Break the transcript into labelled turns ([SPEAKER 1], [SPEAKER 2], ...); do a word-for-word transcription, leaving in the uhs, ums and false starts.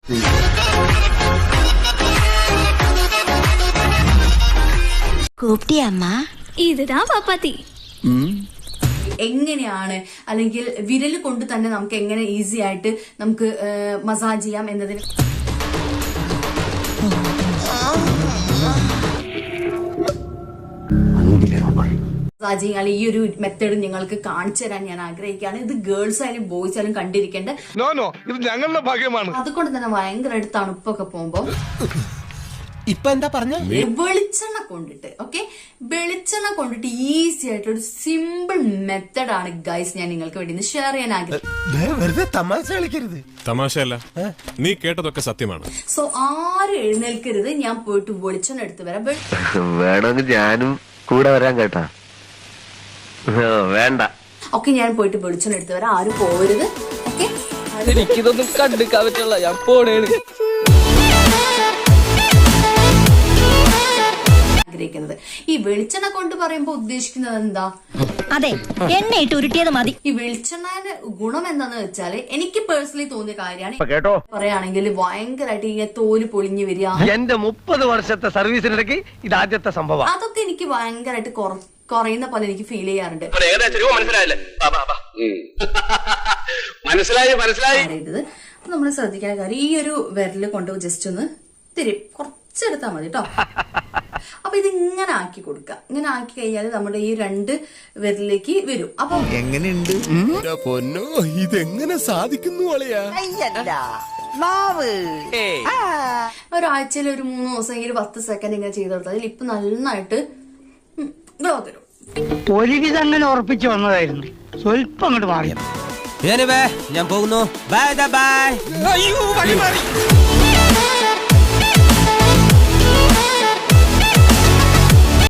[SPEAKER 1] ഇതാ പാപ്പാത്തി.
[SPEAKER 2] എങ്ങനെയാണ് അല്ലെങ്കിൽ വിരൽ കൊണ്ട് തന്നെ നമുക്ക് എങ്ങനെ ഈസി ആയിട്ട് നമുക്ക് മസാജ് ചെയ്യാം എന്നതിന് മസാജിങ് അല്ലെങ്കിൽ ഈ ഒരു മെത്തേഡ് നിങ്ങൾക്ക് കാണിച്ചു തരാൻ ഞാൻ ആഗ്രഹിക്കുകയാണ്. ഇത് ഗേൾസ് ആയാലും ബോയ്സ് ആയാലും കണ്ടിരിക്കേണ്ട.
[SPEAKER 3] ഞങ്ങളുടെ ഭാഗ്യമാണ്.
[SPEAKER 2] അതുകൊണ്ട് തന്നെ ഭയങ്കരമായിട്ട് തണുപ്പൊക്കെ പോകുമ്പോ
[SPEAKER 4] ഇപ്പൊ എന്താ പറഞ്ഞ
[SPEAKER 2] വെളിച്ചെണ്ണ കൊണ്ടിട്ട് ഓക്കെ വെളിച്ചെണ്ണ കൊണ്ടിട്ട് ഈസി ആയിട്ട് ഒരു സിമ്പിൾ മെത്തഡ് ആണ് ഗൈസ് ഞാൻ നിങ്ങൾക്ക് വേണ്ടി ഷെയർ ചെയ്യാൻ ആഗ്രഹിക്കുന്നത്.
[SPEAKER 4] തമാശ കളിക്കരുത്.
[SPEAKER 5] തമാശയല്ല, നീ കേട്ടതൊക്കെ സത്യമാണ്.
[SPEAKER 2] സോ ആരും എഴുന്നേൽക്കരുത്. ഞാൻ പോയിട്ട് വെളിച്ചെണ്ണ എടുത്ത് വരാം.
[SPEAKER 6] വേണമെങ്കിൽ ഞാനും കൂടെ വരാൻ കേട്ടാ. വേണ്ട.
[SPEAKER 2] ഓക്കെ ഞാൻ പോയിട്ട് വെളിച്ചെണ്ണ എടുത്ത് വരാം. ആരും പോവരുത്. ഓക്കെ
[SPEAKER 7] എനിക്കിതൊന്നും കണ്ടിക്കാൻ പറ്റില്ല. ഞാൻ പോണേണ്.
[SPEAKER 2] ആഗ്രഹിക്കുന്നത് ഈ വെളിച്ചെണ്ണ കൊണ്ട് പറയുമ്പോ ഉദ്ദേശിക്കുന്നത് എന്താ?
[SPEAKER 1] അതെ, എണ്ണയിട്ട് ഉരുട്ടിയത് മതി.
[SPEAKER 2] ഈ വെളിച്ചെണ്ണയുടെ ഗുണം എന്താന്ന് വെച്ചാല് എനിക്ക് പേഴ്സണലി തോന്നിയ കാര്യമാണ്. പറയുകയാണെങ്കിൽ ഭയങ്കരമായിട്ട് ഇങ്ങനെ തോല് പൊളിഞ്ഞു വരിക.
[SPEAKER 6] എന്റെ മുപ്പത് വർഷത്തെ സർവീസിനിടയ്ക്ക് ഇതാദ്യത്തെ സംഭവം.
[SPEAKER 2] അതൊക്കെ എനിക്ക് ഭയങ്കരമായിട്ട് കുറയുന്ന പോലെ എനിക്ക് ഫീൽ ചെയ്യാറുണ്ട്.
[SPEAKER 6] മനസ്സിലായി മനസ്സിലായി
[SPEAKER 2] നമ്മൾ ശ്രദ്ധിക്കേണ്ട കാര്യം ഈ ഒരു വിരല് കൊണ്ട് ജസ്റ്റ് ഒന്ന് തിരി കുറച്ചെടുത്താൽ മതി കേട്ടോ. അപ്പൊ ഇത് ഇങ്ങനെ ആക്കി കൊടുക്കുക. ഇങ്ങനെ ആക്കി കഴിഞ്ഞാൽ നമ്മുടെ ഈ രണ്ട് വിരലിലേക്ക് വരും. അപ്പൊ
[SPEAKER 4] എങ്ങനെയുണ്ട് പൊന്നോ? ഇതെങ്ങനെ സാധിക്കുന്നു?
[SPEAKER 2] ഒരാഴ്ചയിൽ ഒരു മൂന്ന് ദിവസമെങ്കിലും പത്ത് സെക്കൻഡ് ഇങ്ങനെ ചെയ്ത് കൊടുത്താൽ അതിൽ ഇപ്പൊ നന്നായിട്ട് ഗ്ലോ തരും.
[SPEAKER 8] ഒരുവിധം അങ്ങനെ ഉറപ്പിച്ചു വന്നതായിരുന്നു. സ്വല്പം അങ്ങോട്ട് മാറി.
[SPEAKER 4] ഞാൻ പോകുന്നു. Bye by.